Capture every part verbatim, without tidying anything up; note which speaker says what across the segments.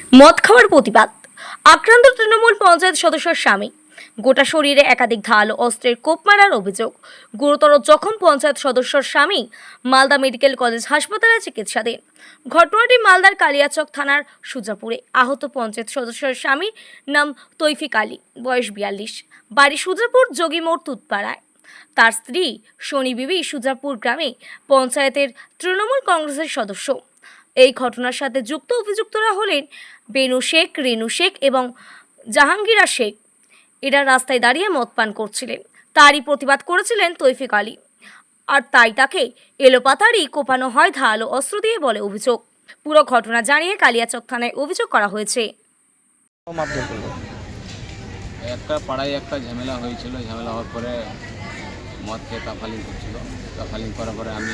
Speaker 1: মদ খাওয়ার প্রতিবাদ। আক্রান্ত তৃণমূল পঞ্চায়েত সদস্যের স্বামী। গোটা শরীরে একাধিক ধারালো অস্ত্রের কোপ মারার অভিযোগ। গুরুতর জখম পঞ্চায়েত সদস্যর স্বামী। মালদা মেডিকেল কলেজ হাসপাতালে চিকিৎসাধীন। ঘটনাটি মালদার কালিয়াচক থানার সুজাপুরে। আহত পঞ্চায়েত সদস্যের স্বামীর নাম তৌফিক আলী, বয়স বিয়াল্লিশ, বাড়ি সুজাপুর যোগীমোড় তুতপাড়ায়। তার স্ত্রী শনি বিবি সুজাপুর গ্রামে পঞ্চায়েতের তৃণমূল কংগ্রেসের সদস্য। এই ঘটনার সাথে যুক্ত অভিযুক্তরা হলেন বেনু শেখ, রেনু শেখ এবং জাহাঙ্গীরা শেখ। এরা রাস্তায় দাঁড়িয়ে মদ পান করছিলেন। তারই প্রতিবাদ করেছিলেন তৌফিক আলী, আর তাই তাকে এলোপাতাড়ি কোপানো হয় ধারালো অস্ত্র দিয়ে বলে অভিযোগ। পুরো ঘটনা জানিয়ে কালিয়াচক থানায় অভিযোগ করা হয়েছে।
Speaker 2: একটা পাড়ায় একটা ঝামেলা হয়েছিল। ঝামেলা হওয়ার পরে মদ খেয়ে কাফালিং করছিল। কাফালিং করার পরে আমি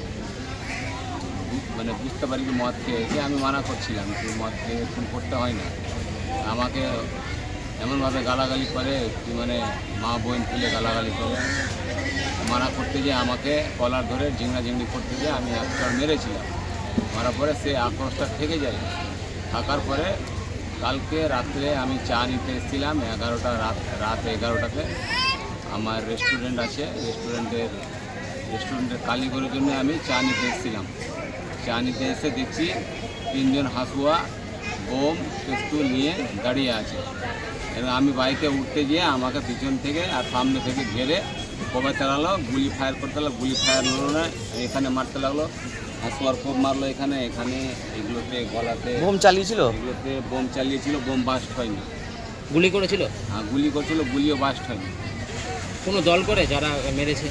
Speaker 2: মানে বুঝতে পারি কি মদ খেয়েছে। আমি মানা করছিলাম কি মদ খেয়ে খুন করতে হয় না। আমাকে এমনভাবে গালাগালি করে কি মানে মা বোন তুলে গালাগালি করে মানা করতে গিয়ে আমাকে কলার ধরে ঝিংড়া ঝিংড়ি করতে গিয়ে আমি একটা মেরেছিলাম। মারার পরে সে আক্রোশটা থেকে যায়। থাকার পরে কালকে রাত্রে আমি চা নিতে এসেছিলাম এগারোটা রাত রাত এগারোটাতে। আমার রেস্টুরেন্ট আছে, রেস্টুরেন্টের রেস্টুরেন্টের কালীগড়ের জন্য আমি চা নিতে এসেছিলাম। চা নিতে এসে দেখছি তিনজন হাসুয়া বোম পিস্তল নিয়ে দাঁড়িয়ে আছে। এবং আমি বাইকে উঠতে গিয়ে আমাকে পিছন থেকে আর সামনে থেকে ঘেরে কবে চালালো, গুলি ফায়ার করতে লাগলো। গুলি ফায়ার হলো না, এখানে মারতে লাগলো। হাসুয়ার কোপ মারলো এখানে এখানে এগুলোতে গলাতে
Speaker 3: বোম চালিয়েছিল।
Speaker 2: এগুলোতে বোম চালিয়েছিল, বোম বাস্ট হয়নি।
Speaker 3: গুলি করেছিল।
Speaker 2: হ্যাঁ গুলি করছিল, গুলিও বাস্ট হয়নি।
Speaker 3: কোনো দল করে যারা মেরেছে?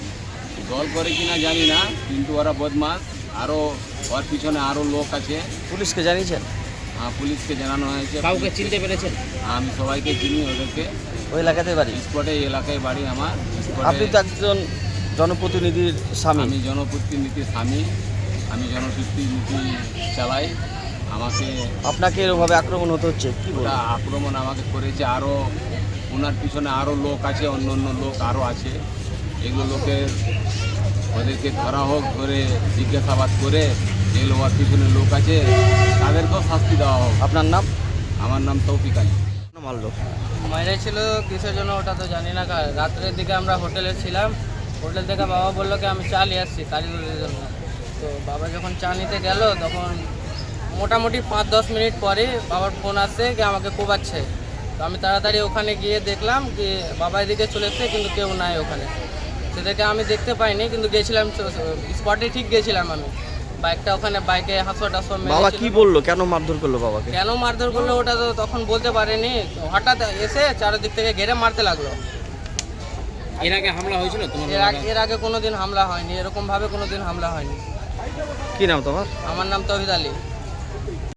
Speaker 2: দল করে কিনা জানি না, কিন্তু ওরা বদমাস। আরও ওর পিছনে আরও লোক আছে।
Speaker 3: পুলিশকে জানিয়েছেন?
Speaker 2: হ্যাঁ পুলিশকে জানানো হয়েছে।
Speaker 3: কাউকে চিনতে পেরেছেন?
Speaker 2: আমি সবাইকে চিনি ওদেরকে।
Speaker 3: ওই এলাকাতে বাড়ি?
Speaker 2: স্পটে এই এলাকায় বাড়ি আমার।
Speaker 3: আপনি তো একজন জনপ্রতিনিধির স্বামী।
Speaker 2: আমি জনপ্রতিনিধির স্বামী, আমি জনপ্রতিনিধি চালাই। আমাকে
Speaker 3: আপনাকে এরভাবে আক্রমণ হতে হচ্ছে কি
Speaker 2: ওটা
Speaker 3: বলবো?
Speaker 2: আক্রমণ আমাকে করেছে। আরও ওনার পিছনে আরও লোক আছে, অন্য অন্য লোক আরও আছে। এগুলো লোকের ওদেরকে ধরা হোক, ধরে জিজ্ঞাসাবাদ করে যেগুলো ওর পিছনে লোক আছে তাদেরকেও শাস্তি দেওয়া হোক।
Speaker 3: আপনার নাম?
Speaker 2: আমার নাম তৌফিক আলী।
Speaker 3: মারলো
Speaker 4: মেরেছিল কিসের জন্য ওটা তো জানি না। রাত্রের দিকে আমরা হোটেলে ছিলাম। হোটেল থেকে বাবা বললো কি আমি চা নিয়ে আসছি কারিগরের জন্য। তো বাবা যখন চা নিতে গেল তখন মোটামুটি পাঁচ দশ মিনিট পরে বাবার ফোন আসছে কি আমাকে কোবাচ্ছে। তো আমি তাড়াতাড়ি ওখানে গিয়ে দেখলাম কি বাবা এদিকে চলে এসছে, কিন্তু কেউ নাই ওখানে। সেটাকে আমি দেখতে পাইনি, কিন্তু গেছিলাম স্পটে, ঠিক গেছিলাম আমি। বাইকটা ওখানে বাইকে হাসো টাসো।
Speaker 3: বাবা কি বললো, কেন মারধর করলো বাবাকে?
Speaker 4: কেন মারধর করলো ওটা তো তখন বলতে পারেনি। হঠাৎ এসে চারিদিক থেকে ঘেরে মারতে লাগলো।
Speaker 3: এর আগে হামলা হয়েছিল তোমার?
Speaker 4: এর আগে এর আগে কোনোদিন হামলা হয়নি, এরকম ভাবে কোনোদিন হামলা হয়নি।
Speaker 3: কি নাম তোমার?
Speaker 4: আমার নাম তৌহিদ আলী।